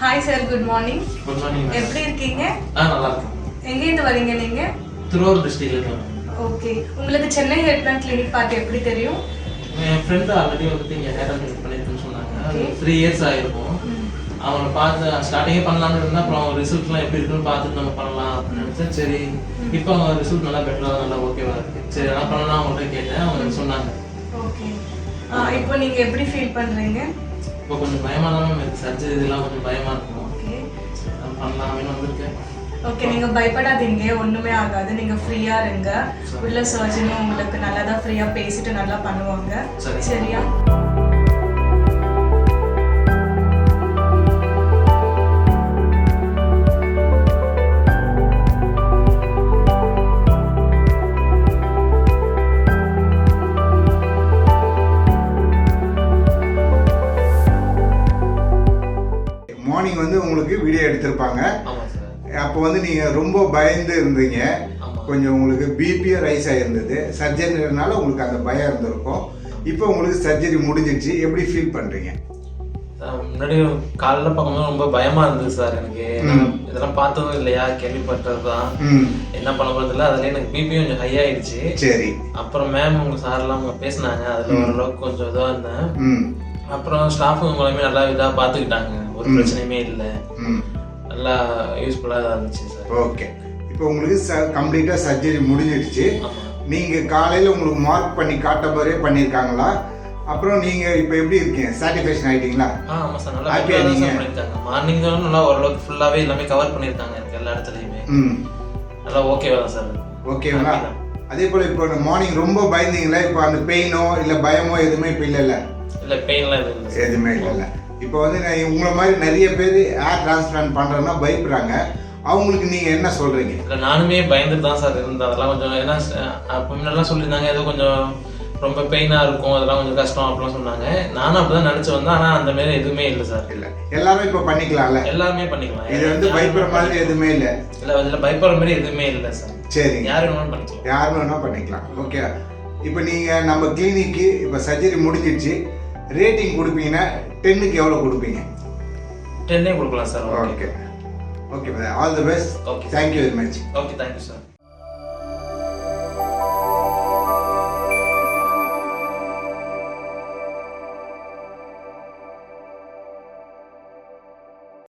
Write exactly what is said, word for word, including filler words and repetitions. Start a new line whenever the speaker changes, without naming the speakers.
Hi sir, good morning.
Good morning.
எப்படி இருக்கீங்க?
ஆ நல்லா இருக்கேன்.
எங்க இருந்து வரீங்க நீங்க?
திருவாரூர் டிஸ்ட்ரிக்ட்ல இருக்கேன்.
ஓகே. உங்களுக்கு சென்னை ஹெல்த் பிளான் கிளினிக் பார்த்து எப்படி தெரியும்?
என் ஃப்ரெண்ட் ஆல்ரெடி வந்து இங்க ஹேர் கட் பண்ணிருக்குன்னு சொன்னாங்க. அது த்ரீ இயர்ஸ் ஆயிருக்கும். அவனை பார்த்து ஸ்டார்டிங்கே பண்ணலாம்னு இருந்தா அப்புறம் ரிசல்ட்லாம் எப்படி இருக்குன்னு பார்த்துட்டு நம்ம பண்ணலாம் நினைச்சேன். சரி இப்போ அவங்க ரிசல்ட் நல்லா பெட்டரா நல்லா ஓகேவா இருக்கு. சரி என்ன பண்ணலாம் அவங்கள்ட்ட கேட்டேன். அவங்க சொன்னாங்க.
ஓகே. இப்போ நீங்க எப்படி ஃபீல் பண்றீங்க?
இப்போ கொஞ்சம் பயமா தான் இருக்கு. சர்ஜரி இதெல்லாம் கொஞ்சம் பயமா இருக்கும்.
ஓகே.
பண்ணலாம்னு வந்திருக்கேன்.
ஓகே, நீங்க பயப்படாதீங்க, ஒண்ணுமே ஆகாது. நீங்க ஃப்ரீயா இருங்க. உள்ள சர்ஜனும் உங்களுக்கு நல்லா தான் ஃப்ரீயா பேசிட்டு நல்லா பண்ணுவாங்க. சரியா?
மார்னிங் வந்து உங்களுக்கு வீடியோ எடுத்திருப்பாங்க. அப்போ வந்து நீங்கள் ரொம்ப பயந்து இருந்தீங்க. கொஞ்சம் உங்களுக்கு பிபியும் ரைஸ் ஆகிருந்தது. சர்ஜரினால உங்களுக்கு அந்த பயம் இருந்திருக்கும். இப்போ உங்களுக்கு சர்ஜரி முடிஞ்சிடுச்சு. எப்படி ஃபீல் பண்ணுறீங்க?
முன்னாடி காலைல பார்க்கும்போது ரொம்ப பயமா இருந்தது சார். எனக்கு இதெல்லாம் பார்த்ததும் இல்லையா, கேள்விப்பட்டது தான். என்ன பண்ண போறது இல்லை. அதுல எனக்கு பிபியும் கொஞ்சம் ஹை ஆயிடுச்சு.
சரி.
அப்புறம் மேம் உங்க சார்லாம் அவங்க பேசினாங்க. அதுல ஓரளவுக்கு கொஞ்சம் இதாக இருந்தேன். அப்புறம் ஸ்டாஃபுங்க மூலமே நல்லா இதாக பார்த்துக்கிட்டாங்க. ஒரு பிரச்சனையுமே இல்லை. நல்லா யூஸ்ஃபுல்லாக இருந்துச்சு சார்.
ஓகே. இப்போ உங்களுக்கு ச கம்ப்ளீட்டாக சர்ஜரி முடிஞ்சிடுச்சு. நீங்கள் காலையில் உங்களுக்கு மார்க் பண்ணி காட்ட மாதிரியே பண்ணியிருக்காங்களா? அப்புறம் நீங்கள் இப்போ எப்படி இருக்கீங்க? சாட்டிஸ்ஃபேக்ஷன் ஆகிட்டீங்களா?
ஆ ஆமாம் சார், நல்லா ஹாப்பியாக பண்ணியிருக்காங்க. மார்னிங் தான் நல்லா ஓரளவுக்கு ஃபுல்லாகவே எல்லாமே கவர் பண்ணியிருக்காங்க. எனக்கு எல்லா இடத்துலையுமே ம் நல்லா ஓகேவா தான் சார்.
ஓகேங்களா? அதே போல் இப்போ மார்னிங் ரொம்ப பயந்தீங்களா? இப்போ அந்த பெயினோ இல்லை பயமோ எதுவுமே இப்போ இல்லைல்ல?
இல்லை, பெயின்லாம் எதுவும் இல்லை,
எதுவுமே இல்லைல்ல. இப்போ வந்து நான் உங்களை மாதிரி நிறைய பேர் ஹேர் டிரான்ஸ்பிளான்ட் பண்ணுறேன்னா பயப்படுறாங்க. அவங்களுக்கு நீங்கள் என்ன சொல்கிறீங்க?
இல்லை, நானுமே பயந்துட்டு தான் சார் இருந்தேன். அதெல்லாம் கொஞ்சம் ஏன்னா அப்போ முன்னெல்லாம் சொல்லியிருந்தாங்க ஏதோ கொஞ்சம் ரொம்ப பெயினாக இருக்கும், அதெல்லாம் கொஞ்சம் கஷ்டம் அப்படிலாம் சொன்னாங்க. நானும் அப்படி தான் நினச்சி வந்தேன். ஆனால் அந்த மாதிரி எதுவுமே இல்லை சார்.
இல்லை, எல்லாரும் இப்போ பண்ணிக்கலாம்ல? எல்லாருமே
பண்ணிக்கலாம்.
இது வந்து பயப்படுற மாதிரி எதுவுமே இல்லை.
இல்லை, அதில் பயப்படுற மாதிரி எதுவுமே இல்லை சார்.
சரி,
யார் வேணாலும் பண்ணிக்கலாம்.
யார் வேணாலும் பண்ணிக்கலாம். ஓகே. இப்போ நீங்கள் நம்ம கிளினிக்கு இப்போ சர்ஜரி முடிஞ்சிடுச்சு. ரேட்டிங் கொடுப்பீங்கன்னா டென்னுக்கு எவ்வளோ கொடுப்பீங்க?
டென்னே கொடுக்கலாம் sir.
Okay okay, all the best.
Okay,
thank you very much.
Okay, thank you sir.